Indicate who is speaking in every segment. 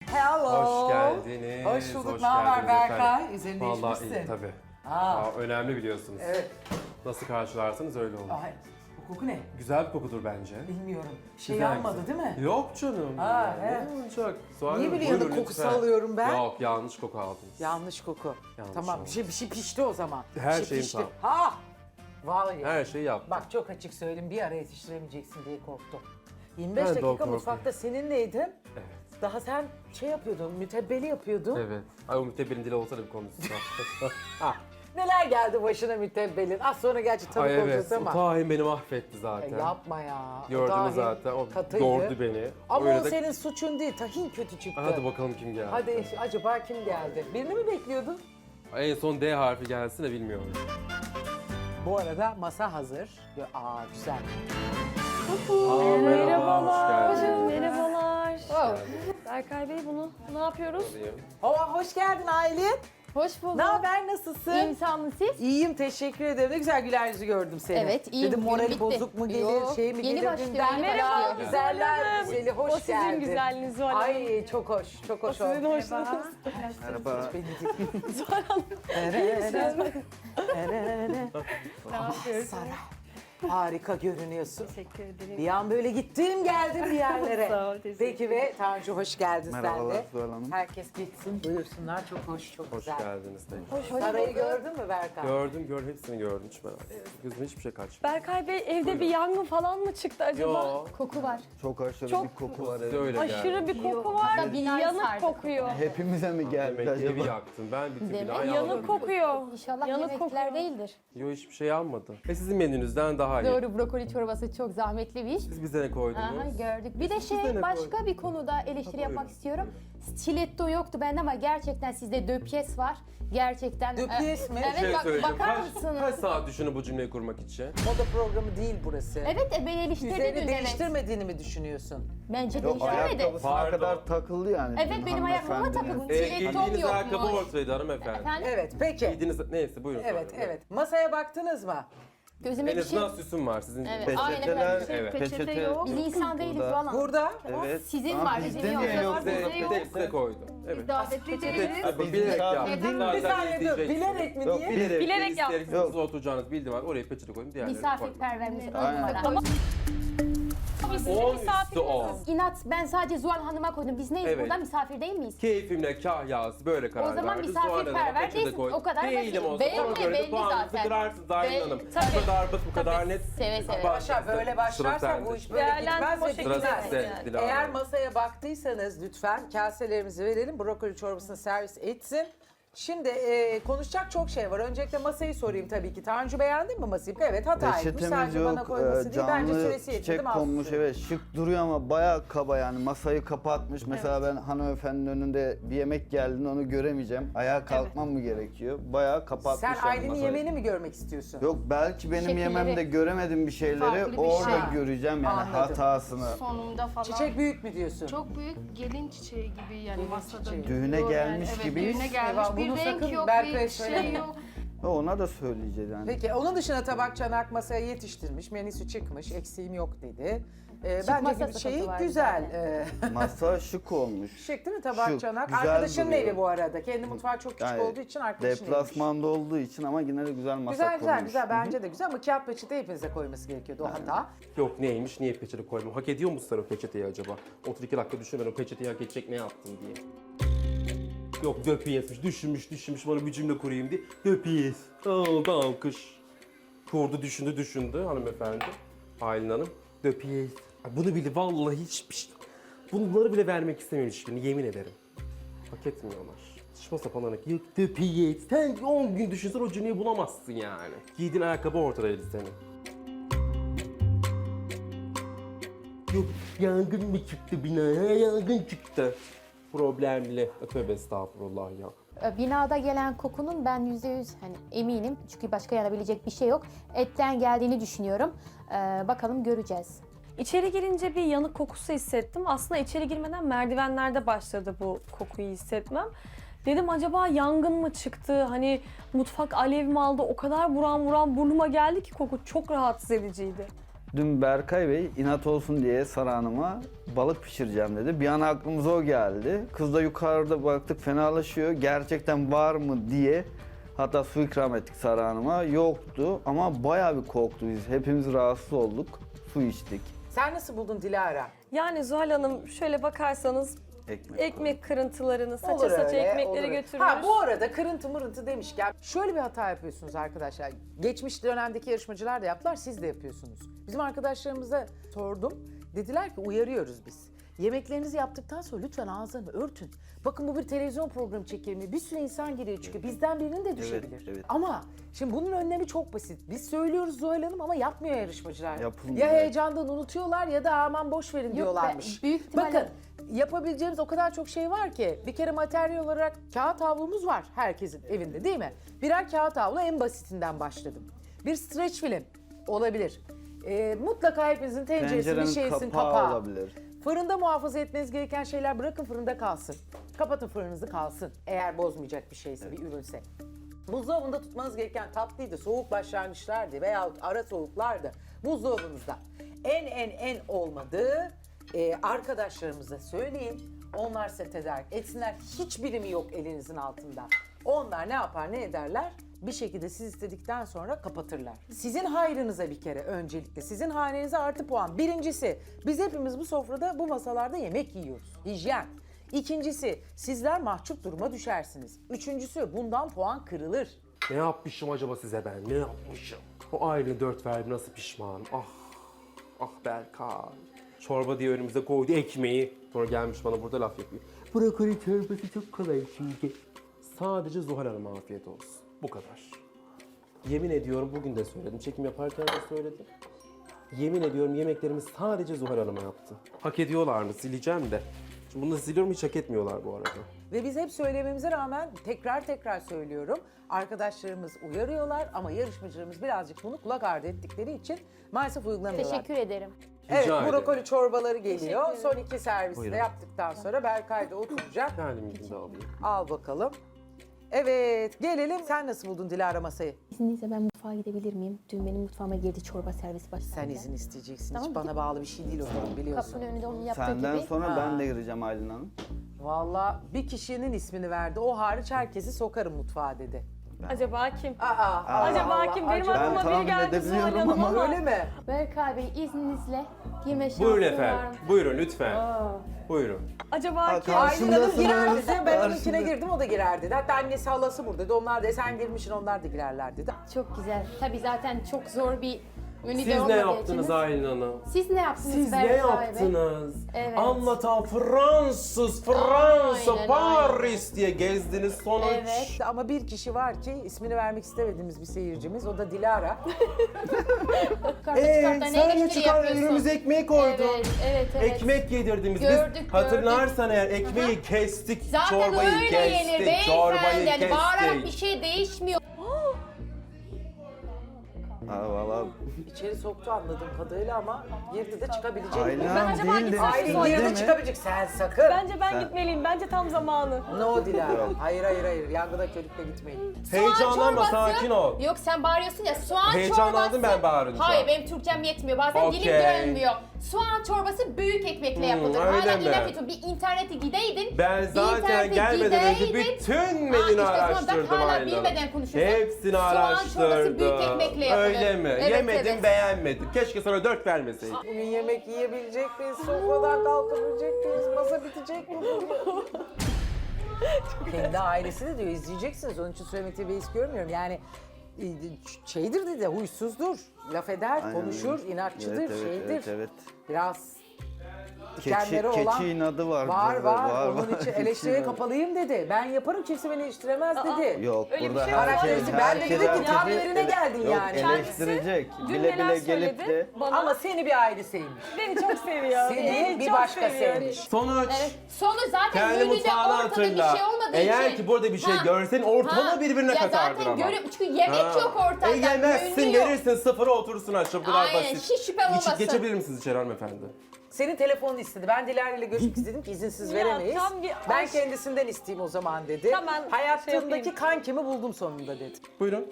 Speaker 1: Hello.
Speaker 2: Hoş geldiniz.
Speaker 1: Hoş bulduk.
Speaker 2: Hoş
Speaker 1: Ne haber
Speaker 2: geldiniz
Speaker 1: Berkay?
Speaker 2: efendim.
Speaker 1: Üzerini
Speaker 2: Vallahi
Speaker 1: değişmişsin.
Speaker 2: iyi tabii.
Speaker 1: Aa.
Speaker 2: Önemli biliyorsunuz.
Speaker 1: Evet.
Speaker 2: Nasıl karşılarsanız öyle olur.
Speaker 1: Ay, bu koku ne?
Speaker 2: Güzel bir kokudur bence.
Speaker 1: Bilmiyorum. Şey
Speaker 2: Güzel,
Speaker 1: yanmadı
Speaker 2: güzel.
Speaker 1: değil mi?
Speaker 2: Yok canım.
Speaker 1: Ha,
Speaker 2: Ne
Speaker 1: he.
Speaker 2: olacak? Zuhal
Speaker 1: Niye
Speaker 2: Hanım,
Speaker 1: biliyorsun
Speaker 2: buyurun
Speaker 1: kokusu
Speaker 2: lütfen.
Speaker 1: alıyorum ben?
Speaker 2: Yok, yanlış koku aldınız.
Speaker 1: Yanlış koku.
Speaker 2: Yanlış
Speaker 1: tamam,
Speaker 2: oldu.
Speaker 1: bir şey pişti o zaman.
Speaker 2: Her
Speaker 1: Bir şey
Speaker 2: şeyim
Speaker 1: pişti.
Speaker 2: tamam.
Speaker 1: Ha! Vallahi.
Speaker 2: Her şeyi yaptım.
Speaker 1: Bak çok açık söyleyeyim, bir ara yetiştiremeyeceksin diye korktum. 25
Speaker 2: Ben de o
Speaker 1: dakika
Speaker 2: korkuyu.
Speaker 1: mutfakta seninleydim.
Speaker 2: Evet.
Speaker 1: Daha sen şey yapıyordun, mütebbeli yapıyordun.
Speaker 2: Evet. Ay o mütebbirin dili olsa da bir konuşsa.
Speaker 1: Neler geldi başına mütebbelin? Az sonra gerçi tabii
Speaker 2: Ay evet.
Speaker 1: konuşacağız
Speaker 2: O
Speaker 1: ama.
Speaker 2: tahin beni mahvetti zaten.
Speaker 1: Yapma ya. O
Speaker 2: Gördünüz
Speaker 1: dahi
Speaker 2: zaten. O
Speaker 1: katıydı.
Speaker 2: yordu beni.
Speaker 1: Ama
Speaker 2: Öyle
Speaker 1: o
Speaker 2: de-
Speaker 1: senin suçun değil. Tahin kötü çıktı.
Speaker 2: Hadi bakalım kim geldi.
Speaker 1: Hadi acaba kim geldi? Birini mi bekliyordun?
Speaker 2: En son D harfi gelsin de bilmiyorum.
Speaker 1: Bu arada masa hazır. Aa güzel.
Speaker 2: Aa, merhaba. Hoş geldiniz.
Speaker 3: Merhabalar. Berkay Bey bunu ne yapıyoruz?
Speaker 2: Alayım.
Speaker 1: Hoş geldin Aylin.
Speaker 3: Hoş bulduk.
Speaker 1: Ne haber, nasılsın?
Speaker 3: İyiyim, sağ olun siz?
Speaker 1: İyiyim, teşekkür ederim. Ne güzel güler yüzü gördüm seni.
Speaker 3: Evet, iyiyim.
Speaker 1: Dedim morali
Speaker 3: Günüm bitti.
Speaker 1: bozuk mu gelir,
Speaker 3: Yok,
Speaker 1: şey mi
Speaker 3: yeni
Speaker 1: gelir
Speaker 3: başlıyor,
Speaker 1: dünden
Speaker 3: yeni
Speaker 1: beri?
Speaker 3: başlıyor.
Speaker 1: Güzeller güzeli, hoş
Speaker 3: O sizin
Speaker 1: geldin.
Speaker 3: güzelliğiniz Zuhal Hanım.
Speaker 1: Ay çok hoş, çok hoş oldu.
Speaker 3: Sizin hoşunuz.
Speaker 4: Merhaba.
Speaker 3: Zuhal Hanım. Ne yapıyoruz?
Speaker 1: Sara, harika görünüyorsun.
Speaker 3: Teşekkür ederim.
Speaker 1: Bir an böyle gittim geldim bir yerlere.
Speaker 3: Sağ ol, teşekkür
Speaker 1: Peki ve Tanju hoş geldin sen
Speaker 4: Merhabalar
Speaker 1: de.
Speaker 4: Zuhal Hanım.
Speaker 1: Herkes gitsin, buyursunlar. Çok hoş, çok
Speaker 2: Hoş
Speaker 1: güzel.
Speaker 2: geldiniz.
Speaker 1: Sarayı gördün mü Berkan?
Speaker 2: Gördüm, hepsini gördüm. Hiç merak etme. Gözüme hiçbir şey kaçmadı.
Speaker 3: Berkay Bey evde bir yangın falan mı çıktı acaba?
Speaker 2: Yo.
Speaker 3: Koku var.
Speaker 4: Çok aşırı
Speaker 3: Çok-
Speaker 4: bir koku var.
Speaker 2: Size öyle geldi.
Speaker 3: Aşırı bir koku var.
Speaker 5: Hatta binayı
Speaker 3: Yanık
Speaker 5: sardı.
Speaker 3: kokuyor.
Speaker 4: Hepimize mi geldi
Speaker 2: Demek ki evi
Speaker 4: acaba?
Speaker 2: yaktın. Ben bir
Speaker 5: Demek
Speaker 2: bina
Speaker 3: Yanık
Speaker 2: yandım.
Speaker 3: kokuyor.
Speaker 5: İnşallah
Speaker 3: Yanık
Speaker 5: yemekler
Speaker 3: kokuyor.
Speaker 5: değildir.
Speaker 2: Yo hiçbir şey yanmadı. Sizin menünüzden daha iyi.
Speaker 5: Doğru, brokoli çorbası çok zahmetli bir iş.
Speaker 2: Siz bize ne koydunuz?
Speaker 5: Aha, gördük. Bir de
Speaker 2: Siz de ne
Speaker 5: başka
Speaker 2: koydunuz?
Speaker 5: bir konuda eleştiri
Speaker 2: Ha,
Speaker 5: yapmak
Speaker 2: buyurun,
Speaker 5: istiyorum. Stiletto yoktu bende ama gerçekten sizde döpyes var. Gerçekten.
Speaker 1: Döpyes mi?
Speaker 5: Evet,
Speaker 2: söyleyeceğim.
Speaker 5: bakar
Speaker 2: Kaç
Speaker 5: mısınız?
Speaker 2: saat düşünün bu cümleyi kurmak için?
Speaker 1: Moda programı değil burası.
Speaker 5: Evet, ben eleştirdim
Speaker 1: Üzerini
Speaker 5: dün, evet.
Speaker 1: değiştirmediğini mi düşünüyorsun?
Speaker 5: Bence
Speaker 4: Yok
Speaker 5: değiştirmedi.
Speaker 4: ayakkabısına
Speaker 2: Pardon.
Speaker 4: kadar takıldı yani.
Speaker 5: Evet,
Speaker 4: bizim
Speaker 5: benim ayakkabıma
Speaker 4: hanımefendinin.
Speaker 5: takıldı. Stilettom
Speaker 2: Giydiğiniz
Speaker 5: yokmuş.
Speaker 2: ayakkabı ortadaydı hanımefendi.
Speaker 5: Efendim?
Speaker 1: Evet, peki.
Speaker 2: Giydiğiniz... Neyse buyurun.
Speaker 1: Evet,
Speaker 2: sonra.
Speaker 1: evet. Masaya baktınız mı?
Speaker 5: Gözüme
Speaker 2: En
Speaker 5: bir şey...
Speaker 2: azından süsüm var sizin.
Speaker 5: Evet, aynen
Speaker 4: Peçeteler,
Speaker 5: efendim.
Speaker 2: Evet.
Speaker 4: peçete yok.
Speaker 5: Biz insan değiliz
Speaker 4: burada.
Speaker 5: falan.
Speaker 1: Burada.
Speaker 4: Evet.
Speaker 5: Sizin
Speaker 4: Ama
Speaker 5: var,
Speaker 4: bizde
Speaker 5: bizim
Speaker 4: niye
Speaker 5: yok.
Speaker 4: yok?
Speaker 2: Size,
Speaker 5: Bizde yok.
Speaker 2: size koydum. Evet.
Speaker 5: Davetli
Speaker 2: Bilerek
Speaker 4: misafir
Speaker 2: yaptım.
Speaker 4: değil mi?
Speaker 2: Zaten
Speaker 1: Bir saniye dur.
Speaker 2: izleyeceksiniz.
Speaker 1: Bilerek mi
Speaker 4: Yok,
Speaker 1: diye?
Speaker 3: Bilerek
Speaker 2: ister
Speaker 3: yaptım.
Speaker 2: misiniz oturacağınız bildiğim var. Oraya peçete koydum. Diğerlerini koydum.
Speaker 5: Misafirperverimiz on
Speaker 4: Aynen.
Speaker 5: numara.
Speaker 3: Ama sizin
Speaker 2: 10 üstü
Speaker 3: misafiriniz.
Speaker 2: 10.
Speaker 5: İnat, ben sadece Zuhal Hanım'a koydum. Biz neyiz
Speaker 2: Evet.
Speaker 5: burada? Misafir değil miyiz?
Speaker 2: Keyfimle kahyası böyle karar
Speaker 5: O zaman
Speaker 2: verdi.
Speaker 5: misafirperver
Speaker 2: Zuhal Hanım'a peçete
Speaker 5: değilsin.
Speaker 2: koydum.
Speaker 5: O kadar
Speaker 2: Değilim
Speaker 5: basit.
Speaker 2: o zaman.
Speaker 5: Belli,
Speaker 2: Ona göre de
Speaker 5: belli
Speaker 2: puanınızı
Speaker 5: zaten.
Speaker 2: kırarsınız Aylin
Speaker 5: Belli,
Speaker 2: Hanım.
Speaker 5: tabii.
Speaker 2: Bu kadar basit, bu kadar net.
Speaker 5: Seve seve.
Speaker 1: Başa böyle başlarsa bu iş böyle
Speaker 3: Değerlendirme
Speaker 1: gitmez
Speaker 3: o
Speaker 1: ve
Speaker 3: şekilde
Speaker 1: bitmez.
Speaker 2: sizde, Dilara
Speaker 1: Eğer
Speaker 2: Hanım.
Speaker 1: masaya baktıysanız lütfen kaselerimizi verelim. Brokoli çorbasını servis etsin. Şimdi konuşacak çok şey var. Öncelikle masayı sorayım tabii ki. Tanju beğendin mi masayı? Evet, hataymış.
Speaker 4: Peçetemiz
Speaker 1: Sadece bana
Speaker 4: yok.
Speaker 1: koyması değil. Bence
Speaker 4: Canlı
Speaker 1: süresi yetmedi
Speaker 4: çiçek
Speaker 1: mi?
Speaker 4: konmuş, evet şık duruyor ama bayağı kaba yani masayı kapatmış. Mesela ben hanımefendinin önünde bir yemek geldiğinde onu göremeyeceğim. Ayağa kalkmam mı gerekiyor? Bayağı kapatmış
Speaker 1: Sen
Speaker 4: yani
Speaker 1: Aylin'in
Speaker 4: masayı.
Speaker 1: yemeğini mi görmek istiyorsun?
Speaker 4: Yok belki benim
Speaker 5: Şekilleri.
Speaker 4: yememde göremediğim bir şeyleri
Speaker 5: Farklı bir
Speaker 4: orada
Speaker 1: şey.
Speaker 4: göreceğim yani
Speaker 1: Anladım.
Speaker 4: hatasını.
Speaker 6: Sonunda falan.
Speaker 1: Çiçek büyük mü diyorsun?
Speaker 6: Çok büyük gelin çiçeği gibi yani
Speaker 1: Gelin
Speaker 6: masada
Speaker 1: çiçeği.
Speaker 4: Düğüne
Speaker 6: duruyor
Speaker 4: gelmiş
Speaker 6: evet,
Speaker 4: gibiyiz.
Speaker 6: Düğüne gelmiş
Speaker 1: Eyvah,
Speaker 6: bir
Speaker 1: bunu
Speaker 6: renk
Speaker 1: sakın
Speaker 6: yok,
Speaker 1: Berkay'a
Speaker 6: bir
Speaker 1: söyleme.
Speaker 6: şey yok.
Speaker 4: Ona da söyleyeceğiz yani.
Speaker 1: Peki onun dışında tabak çanak masaya yetiştirmiş, menüsü çıkmış, eksiğim yok dedi.
Speaker 5: Çıkmasa
Speaker 1: Bence
Speaker 5: sıkıntı
Speaker 1: şeyi
Speaker 5: var
Speaker 1: güzel.
Speaker 4: Masa şık olmuş.
Speaker 1: Şık değil mi tabak
Speaker 4: Şık,
Speaker 1: çanak?
Speaker 4: güzel
Speaker 1: Arkadaşının
Speaker 4: duruyor.
Speaker 1: evi bu arada. Kendi mutfağı çok küçük
Speaker 4: Yani
Speaker 1: olduğu için arkadaşının eviymiş.
Speaker 4: Deplasmanda olduğu için ama yine de güzel masa
Speaker 1: Güzel güzel
Speaker 4: kurmuş.
Speaker 1: güzel bence de güzel ama kağıt peçete hepinize koyması gerekiyordu o hata.
Speaker 2: Yok neymiş, niye peçete koymam? Hak ediyor musun sen o peçeteyi acaba? 32 dakika düşün ben o peçeteyi hak edecek ne yaptım diye. Yok döpiyesmiş, düşünmüş bana bir cümle kurayım diye. Döpiyes. Aldı alkış. Düşündü hanımefendi. Aylin Hanım. Döpiyes. Ay, bunu bile vallahi hiçbir şey... Bunları bile vermek istemiyorum hiçbirini, yemin ederim. Hak etmiyorlar. Saçma sapan örnek. Yok döpiyes. Sen 10 gün düşünsen o cümleyi bulamazsın yani. Giydiğin ayakkabı ortadaydı senin. Yok yangın mı çıktı binaya? Yangın çıktı. Problemli. Tövbe estağfurullah ya.
Speaker 5: Binada gelen kokunun ben %100 hani eminim. Çünkü başka yanabilecek bir şey yok. Etten geldiğini düşünüyorum. Bakalım göreceğiz.
Speaker 3: İçeri girince bir yanık kokusu hissettim. Aslında içeri girmeden merdivenlerde başladı bu kokuyu hissetmem. Dedim acaba yangın mı çıktı? Hani mutfak alev mi aldı? O kadar buram buram burnuma geldi ki koku çok rahatsız ediciydi.
Speaker 4: Dün Berkay Bey inat olsun diye Sara Hanım'a balık pişireceğim dedi. Bir an aklımıza o geldi. Kız da yukarıda baktık fenalaşıyor. Gerçekten var mı diye. Hatta su ikram ettik Sara Hanım'a. Yoktu ama bayağı bir korktu biz. Hepimiz rahatsız olduk. Su içtik.
Speaker 1: Sen nasıl buldun Dilara?
Speaker 3: Yani Zuhal Hanım şöyle bakarsanız ekmek kırıntılarını saça saça ekmekleri
Speaker 1: olur öyle.
Speaker 3: götürmüş.
Speaker 1: Ha bu arada kırıntı mırıntı demişken şöyle bir hata yapıyorsunuz arkadaşlar. Geçmiş dönemdeki yarışmacılar da yaptılar, siz de yapıyorsunuz. Bizim arkadaşlarımıza sordum. Dediler ki uyarıyoruz biz. Yemeklerinizi yaptıktan sonra lütfen ağzını örtün. Bakın bu bir televizyon programı çekimi. Bir sürü insan giriyor çünkü bizden birinin de düşebilir.
Speaker 4: evet.
Speaker 1: Ama şimdi bunun önlemi çok basit. Biz söylüyoruz Zuhal Hanım ama yapmıyor yarışmacılar.
Speaker 4: Yapılmıyor.
Speaker 1: Ya heyecandan unutuyorlar ya da aman boş verin diyorlarmış.
Speaker 5: büyük ihtimalle-
Speaker 1: Bakın yapabileceğimiz o kadar çok şey var ki. Bir kere materyal olarak kağıt havlumuz var herkesin evinde değil mi? Birer kağıt havlu en basitinden başladım. Bir streç film olabilir. Mutlaka hepinizin tenceresi bir
Speaker 4: Tencerenin
Speaker 1: şeysin
Speaker 4: kapağı
Speaker 1: kapağı.
Speaker 4: olabilir.
Speaker 1: Fırında muhafaza etmeniz gereken şeyler bırakın fırında kalsın. Kapatın fırınınızı kalsın eğer bozmayacak bir şeyse, bir ürünse. Buzdolabında tutmanız gereken tatlıydı, soğuk başlangıçlardı veya ara soğuklardı. Buzdolabınızda en olmadığı arkadaşlarımıza söyleyin. Onlar size tedarik etsinler. Hiç birimi yok elinizin altında. Onlar ne yapar ne ederler? Bir şekilde siz istedikten sonra kapatırlar. Sizin hayrınıza bir kere öncelikle. Sizin hanenize artı puan. Birincisi biz hepimiz bu sofrada bu masalarda yemek yiyoruz. Hijyen. İkincisi sizler mahcup duruma düşersiniz. Üçüncüsü bundan puan kırılır.
Speaker 2: Ne yapmışım acaba size ben? Ne yapmışım? O aile 4 verdi nasıl pişman? Ah Berkay. Çorba diye önümüze koydu ekmeği. Sonra gelmiş bana burada laf yapıyor. Brokoli çorbası çok kolay çünkü. Sadece Zuhal Hanım'a afiyet olsun. Bu kadar. Yemin ediyorum bugün de söyledim. Çekim yaparken de söyledim. Yemin ediyorum yemeklerimi sadece Zuhal Hanım'a yaptım. Hak ediyorlar mı? Sileceğim de. Şimdi bunu da siliyorum, hiç hak etmiyorlar bu arada.
Speaker 1: Ve biz hep söylememize rağmen tekrar söylüyorum. Arkadaşlarımız uyarıyorlar ama yarışmacılarımız birazcık bunu kulak ardı ettikleri için maalesef uygulamıyorlar.
Speaker 5: Teşekkür ederim.
Speaker 1: Evet,
Speaker 2: Rica ederim.
Speaker 1: brokoli çorbaları geliyor. Son iki servisi de
Speaker 2: Buyurun.
Speaker 1: yaptıktan sonra Berkay da oturacak.
Speaker 2: Kendiminkini de alayım.
Speaker 1: Al bakalım. Evet, gelelim. Sen nasıl buldun Dilara masayı?
Speaker 5: İzninizle ben mutfağa gidebilir miyim? Dün benim mutfağıma girdi çorba servisi başladı.
Speaker 1: Sen izin isteyeceksin.
Speaker 5: Tamam,
Speaker 1: Hiç bana bağlı bir şey değil o zaman biliyorsun.
Speaker 5: Kapının önünde onun yaptığı
Speaker 4: Senden
Speaker 5: gibi.
Speaker 4: sonra
Speaker 1: Ha.
Speaker 4: ben de gireceğim Aylin Hanım.
Speaker 1: Vallahi bir kişinin ismini verdi. O hariç herkesi sokarım mutfağa dedi.
Speaker 3: Acaba kim?
Speaker 1: Acaba
Speaker 3: kim? Benim aklıma
Speaker 4: tahmin
Speaker 3: biri geldi Zuhal
Speaker 4: edebiliyorum
Speaker 3: Hanım ama.
Speaker 1: Öyle mi?
Speaker 5: Berkay Bey izninizle girme şansım
Speaker 2: Buyurun
Speaker 5: var
Speaker 2: efendim.
Speaker 5: mı?
Speaker 2: Buyurun lütfen. Buyurun.
Speaker 3: Acaba kim?
Speaker 1: Aylin Hanım girerdi.
Speaker 4: Karşımdasınız.
Speaker 1: Ben onunkine
Speaker 4: Karşımda.
Speaker 1: girdim o da girer dedi. Hatta annesi halası burada dedi. Onlar da sen girmişsin onlar da girerler dedi.
Speaker 5: Çok güzel. Tabii zaten çok zor bir menü
Speaker 2: Siz ne yaptınız Aylin Hanım?
Speaker 5: Siz ne yaptınız
Speaker 2: Siz ne
Speaker 5: Berkay Bey?
Speaker 2: yaptınız?
Speaker 5: Evet.
Speaker 2: Anlatan Fransa,
Speaker 5: Aynen,
Speaker 2: Paris diye gezdiniz sonuç.
Speaker 5: Evet.
Speaker 1: Ama bir kişi var ki ismini vermek istemediğimiz bir seyircimiz. O da Dilara.
Speaker 5: Karta çıkartta ne
Speaker 2: sen de
Speaker 5: eleştiri
Speaker 2: çıkar
Speaker 5: yapıyorsun?
Speaker 2: önümüze ekmeği koydun.
Speaker 5: Evet.
Speaker 2: Ekmek yedirdiniz.
Speaker 5: Gördük,
Speaker 2: Biz hatırlarsan eğer ekmeği kestik,
Speaker 5: Zaten
Speaker 2: çorbayı
Speaker 5: öyle
Speaker 2: kestik,
Speaker 5: yenir
Speaker 2: çorbayı
Speaker 5: beyefendi. Yani
Speaker 2: kestik.
Speaker 5: bağırarak bir şey değişmiyor.
Speaker 4: Ha valla
Speaker 1: İçeri soktu anladığım kadarıyla ama girdi de çıkabilecek.
Speaker 4: Aylin
Speaker 3: Ben
Speaker 4: Hanım
Speaker 3: acaba
Speaker 4: değil de
Speaker 3: gitsem
Speaker 1: Aylin
Speaker 3: Zuhal
Speaker 1: girdi
Speaker 3: Hanım.
Speaker 1: de
Speaker 4: mi?
Speaker 1: çıkabilecek. Sen sakın.
Speaker 3: Bence ben gitmeliyim. Bence tam zamanı.
Speaker 1: No Dilara. Hayır. Yangına körükle gitmeyin.
Speaker 2: Heyecanlanma,
Speaker 5: Soğan çorbası-
Speaker 2: sakin ol.
Speaker 5: Yok sen bağırıyorsun ya soğan
Speaker 2: Heyecanlandım
Speaker 5: çorbası.
Speaker 2: ben bağırınca.
Speaker 5: Hayır benim Türkçem yetmiyor. Bazen
Speaker 2: Okey.
Speaker 5: dilim dönmüyor. Soğan çorbası büyük ekmekle yapılır.
Speaker 2: öyle
Speaker 5: Hala
Speaker 2: mi?
Speaker 5: inat ediyorsun. Bir internete gideydin.
Speaker 2: Ben
Speaker 5: bir
Speaker 2: zaten
Speaker 5: internete
Speaker 2: gelmeden önce
Speaker 5: gideydin.
Speaker 2: bütün menünü
Speaker 5: işte tamam,
Speaker 2: araştırdım
Speaker 5: bak hala
Speaker 2: Aylin Hanım.
Speaker 5: bilmeden konuşuyorsun.
Speaker 2: Hepsini
Speaker 5: Soğan çorbası
Speaker 2: araştırdım.
Speaker 5: büyük ekmekle yapılır.
Speaker 2: Öyle mi?
Speaker 5: Evet,
Speaker 2: Yemedim,
Speaker 5: evet.
Speaker 2: beğenmedim. Keşke sana 4 vermeseydim.
Speaker 1: Bugün yemek yiyebilecek miyiz? Sofradan kalkabilecek miyiz? Masa bitecek mi? Kendi ailesi de diyor izleyeceksiniz. Onun için söylemekte bir his görmüyorum. Yani şeydir dedi, huysuzdur. Laf eder,
Speaker 4: Aynen
Speaker 1: konuşur,
Speaker 4: öyle.
Speaker 1: inatçıdır, şeydir.
Speaker 4: Evet.
Speaker 1: Biraz dikenleri olan...
Speaker 4: Keçi inadı var.
Speaker 1: Var
Speaker 4: bizde de,
Speaker 1: var. Onun için
Speaker 4: Keçi
Speaker 1: eleştiriye
Speaker 4: inadı.
Speaker 1: kapalıyım dedi. Ben yaparım kimse beni eleştiremez dedi.
Speaker 4: Yok
Speaker 3: Öyle bir
Speaker 4: burada
Speaker 3: şey yok.
Speaker 1: Karakteristi. Ben de
Speaker 4: herkes
Speaker 1: dedim ki tam
Speaker 4: herkesi
Speaker 1: yerine geldin
Speaker 4: yok,
Speaker 1: yani.
Speaker 4: eleştirecek.
Speaker 3: Dün
Speaker 4: Bile
Speaker 3: neler
Speaker 4: bile gelip
Speaker 3: söyledi
Speaker 4: de
Speaker 3: bana.
Speaker 1: Ama seni bir aile sevmiş.
Speaker 3: Beni çok seviyor.
Speaker 1: Seni
Speaker 3: Beni
Speaker 1: bir
Speaker 3: çok
Speaker 1: başka
Speaker 3: seviyor.
Speaker 1: sevmiş.
Speaker 2: Sonuç.
Speaker 5: Evet. Sonu zaten
Speaker 2: Kendi
Speaker 5: menüde
Speaker 2: mutfağını
Speaker 5: ortada
Speaker 2: hatırla.
Speaker 5: bir şey olmadığı
Speaker 2: Eğer
Speaker 5: için.
Speaker 2: ki burada bir şey görsen ortalığı birbirine
Speaker 5: ya
Speaker 2: katardın
Speaker 5: zaten
Speaker 2: ama.
Speaker 5: görüyorum çünkü yemek yok ortada.
Speaker 2: Yemezsin,
Speaker 5: menü yok.
Speaker 2: verirsin sıfıra otursun aşağı. Bu kadar
Speaker 5: Aynen,
Speaker 2: basit.
Speaker 5: hiç şüphem olmasın.
Speaker 2: Geçebilir misiniz içeri hanımefendi?
Speaker 1: Senin telefonunu istedi. Ben Dilara ile görüşmek istedim ki izinsiz
Speaker 3: Ya,
Speaker 1: veremeyiz.
Speaker 3: tam bir
Speaker 1: Ben
Speaker 3: aşk.
Speaker 1: kendisinden isteyeyim o zaman dedi.
Speaker 3: Tamam, şey
Speaker 1: Hayatındaki
Speaker 3: yapayım.
Speaker 1: kankimi buldum sonunda dedi.
Speaker 2: Buyurun.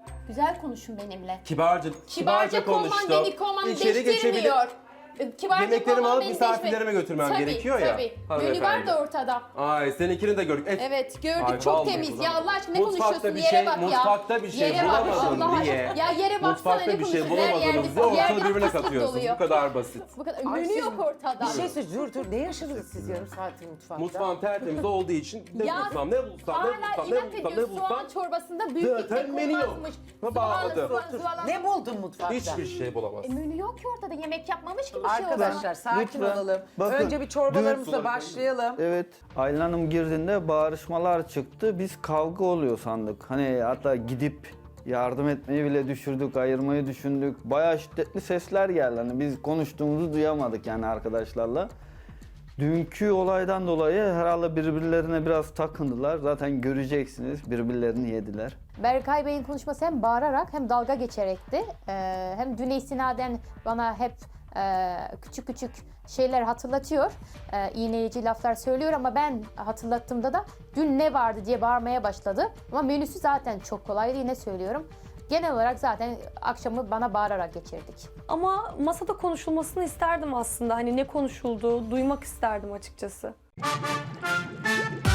Speaker 5: Güzel konuşun benimle.
Speaker 2: Kibarca
Speaker 5: olman
Speaker 2: konuştum.
Speaker 5: beni kovman
Speaker 2: İçeri
Speaker 5: değiştirmiyor. Kibarca
Speaker 2: Yemeklerimi
Speaker 5: olman
Speaker 2: alıp
Speaker 5: beni
Speaker 2: misafirlerime götürmem
Speaker 5: Tabii,
Speaker 2: gerekiyor ya.
Speaker 5: Tabii. Menü var da ortada.
Speaker 2: Ay seninkini de gördük.
Speaker 5: Evet gördük
Speaker 2: Ay,
Speaker 5: çok
Speaker 2: vallahi
Speaker 5: temiz.
Speaker 2: ulan.
Speaker 5: Ya Allah aşkına ne
Speaker 2: Mutfakta
Speaker 5: konuşuyorsun?
Speaker 2: bir
Speaker 5: Yere
Speaker 2: şey-
Speaker 5: bak ya.
Speaker 2: mutfakta bir şey
Speaker 5: Yere bak,
Speaker 2: bulamadın
Speaker 5: Allah
Speaker 2: diye.
Speaker 5: aşkına. Ya yere baksana
Speaker 2: Mutfakta
Speaker 5: ne
Speaker 2: bir şey
Speaker 5: konuşuyorsun? Her
Speaker 2: bulamadınız
Speaker 5: yerde-
Speaker 2: diye
Speaker 5: yerde
Speaker 2: ortalığı birbirine
Speaker 5: fıstık
Speaker 2: katıyorsunuz.
Speaker 5: doluyor.
Speaker 2: Bu kadar basit.
Speaker 5: Bu kadar.
Speaker 1: Ay,
Speaker 5: Menü
Speaker 1: siz-
Speaker 5: yok ortada.
Speaker 1: Bir şey söyle, dur. Ne yaşadınız siz yarım saattir mutfakta?
Speaker 2: Mutfağım tertemiz olduğu için ne
Speaker 5: Ya,
Speaker 2: bulsam, ne bulsam,
Speaker 5: Hala
Speaker 2: ne
Speaker 5: inat
Speaker 2: bulsam, ne
Speaker 5: ediyor. Soğan
Speaker 2: bulsam.
Speaker 5: çorbasında büyük bir
Speaker 2: Zaten
Speaker 5: tek
Speaker 2: menü yok.
Speaker 5: olmazmış.
Speaker 2: Ha, bağladı.
Speaker 1: Ne buldun mutfakta?
Speaker 2: Hiçbir şey bulamaz.
Speaker 5: Menü yok ki ortada. Yemek yapmamış gibi bir şey o zaman.
Speaker 1: Arkadaşlar sakin
Speaker 4: Lütfen.
Speaker 1: olalım.
Speaker 4: Bakın,
Speaker 1: Önce bir çorbalarımızla
Speaker 2: dün-
Speaker 1: başlayalım.
Speaker 4: Evet, Aylin Hanım girdiğinde bağırışmalar çıktı. Biz kavga oluyor sandık. Hani hatta gidip yardım etmeyi bile düşürdük, ayırmayı düşündük. Bayağı şiddetli sesler geldi. Hani biz konuştuğumuzu duyamadık yani arkadaşlarla. Dünkü olaydan dolayı herhalde birbirlerine biraz takındılar. Zaten göreceksiniz birbirlerini yediler.
Speaker 5: Berkay Bey'in konuşması hem bağırarak hem dalga geçerekti. Hem düne istinaden bana hep küçük küçük şeyler hatırlatıyor. İğneyici laflar söylüyor ama ben hatırlattığımda da dün ne vardı diye bağırmaya başladı. Ama menüsü zaten çok kolaydı yine söylüyorum. Genel olarak zaten akşamı bana bağırarak geçirdik.
Speaker 3: Ama masada konuşulmasını isterdim aslında. Hani ne konuşulduğu duymak isterdim açıkçası.